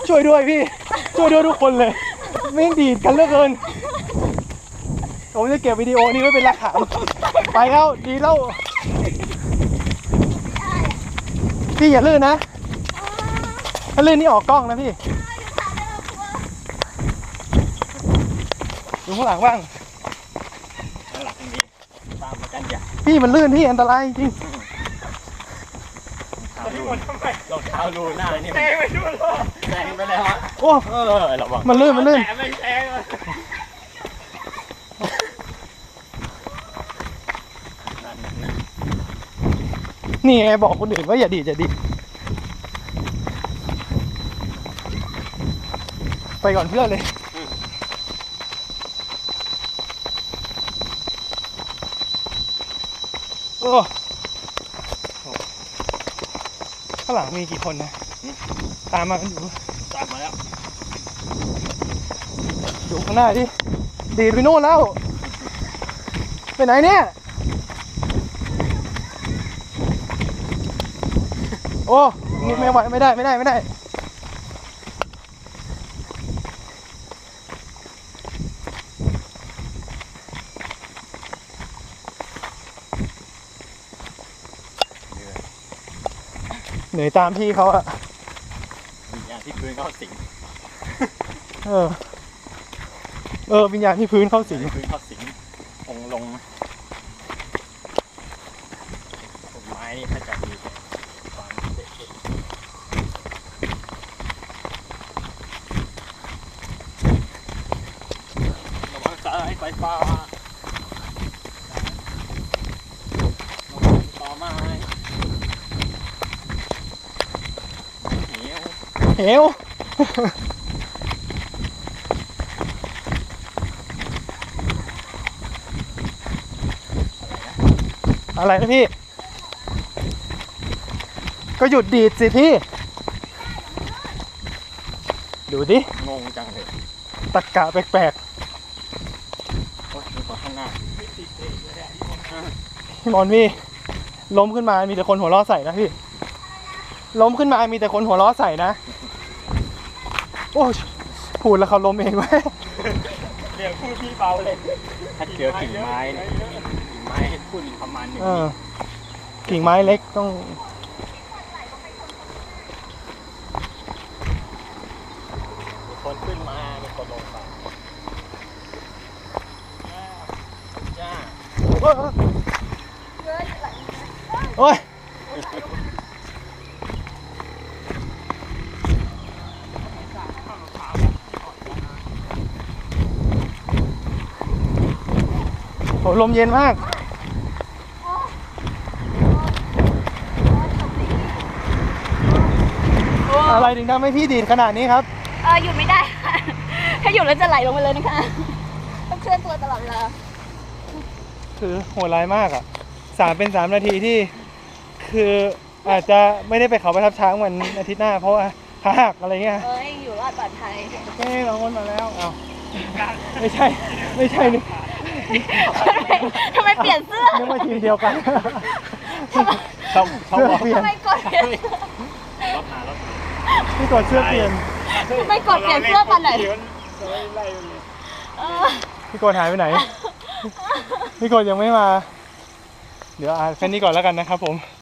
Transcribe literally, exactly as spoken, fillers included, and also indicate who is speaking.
Speaker 1: ช่วยด้วยพี่ช่วยด้วยทุกคนเลยไม่งดีดกันเหลือเกินผมจะเก็บวิดีโอนี้ไว้เป็นหลักฐานไปแล้วดีแล้วพี่อย่าลื่นนะถ้าลื่นนี่ออกกล้องนะพี่ดูข้างหลังบ้าง
Speaker 2: ข้างหลังมีตามมากันอย่า
Speaker 1: พี่มันลื่นพี่อันตรายจริง
Speaker 2: รองเท้ารูหน้านี่แซงไปดูเลยแซงไปแล้ว
Speaker 1: โอ้
Speaker 2: เออระวัง
Speaker 1: มันลื่นมันลื่น
Speaker 2: แต่ไม่แซง
Speaker 1: นี่ไงบอกคนอื่นว่าอย่าดีดอย่าดีดไปก่อนเพื่อนเลยโอ้ข้างหลังมีกี่คนนะตามมากันอยู่
Speaker 2: ตามมาแล้ว
Speaker 1: อยู่ข้างหน้าดิดีดไปโน่นแล้วไปไหนเนี่ยโอ้นี่ไม่ไหวไม่ได้ไม่ได้ไม่ได้เหนื่อยตามพี่เขาอะ
Speaker 2: วิญญาณที่พื้นเข้าสิง
Speaker 1: เออเออวิญญาณที่พื้นเข้าสิง
Speaker 2: พื้นเข้าสิงองลงต้นไม้นี่ถ้าจะมีความเด็ดระวังสายไฟฟ้าต่อไม้
Speaker 1: เหวอะไรนะพี่ก็หยุดดีดสิพี่ดูดิ
Speaker 2: งงจังเลย
Speaker 1: ตะกะแปลก
Speaker 2: โอ้ยมีคนข้างหน้า
Speaker 1: พี่บอลพี่ล้มขึ้นมามีแต่คนหัวเราะใส่นะพี่ล้มขึ้นมามีแต่คนหัวเราะใส่นะโอ้พูดแล้วเขาล้มเองไหม
Speaker 2: เดี๋ยวพูดพี่เบาเลยถ้าเจอกิ่งไม้เนี่ยกิ่งไม้ให้พูดประมาณหนึ่ง
Speaker 1: กิ่งไม้เล็กต้อง
Speaker 2: มีคนขึ้นมามีคนลงไปจ้า
Speaker 1: โอ้ยโหลมเย็นมากอะไรถึงทำให้พี่ดีดขนาดนี้ครับ
Speaker 3: เออหยุดไม่ได้ค่ะถ้าหยุดแล้วจะไหลลงไปเลยนะคะต้องเคลื่อนตัวตลอดเวลา
Speaker 1: คือโหดร้ายมากอ่ะสามเป็นสามนาทีที่คืออาจจะไม่ได้ไปเขาประทับช้างวันอาทิตย์หน้าเพราะว่าขาหักอะไรเงี้ย
Speaker 3: เอ้ยอยู่รอดปลอดภัย
Speaker 1: โอเคเราวนมาแล้วอ้าวไม่ใช่ไม่ใช่นี่
Speaker 3: ทำไมเปลี่ยนเสื้อ
Speaker 1: นึกว่าทีมเดียวกัน
Speaker 2: เขาเขาบอก
Speaker 1: เปลี่ยน
Speaker 3: ทำไมกดเปลี่ยน
Speaker 1: พี่กดเสื้อเปลี่ยน
Speaker 3: ทำไมกดเปลี่ยนเสื้อตอนไหน
Speaker 1: พี่กดหายไปไหนพี่กดยังไม่มาเดี๋ยวอ่านแค่นี้ก่อนแล้วกันนะครับผม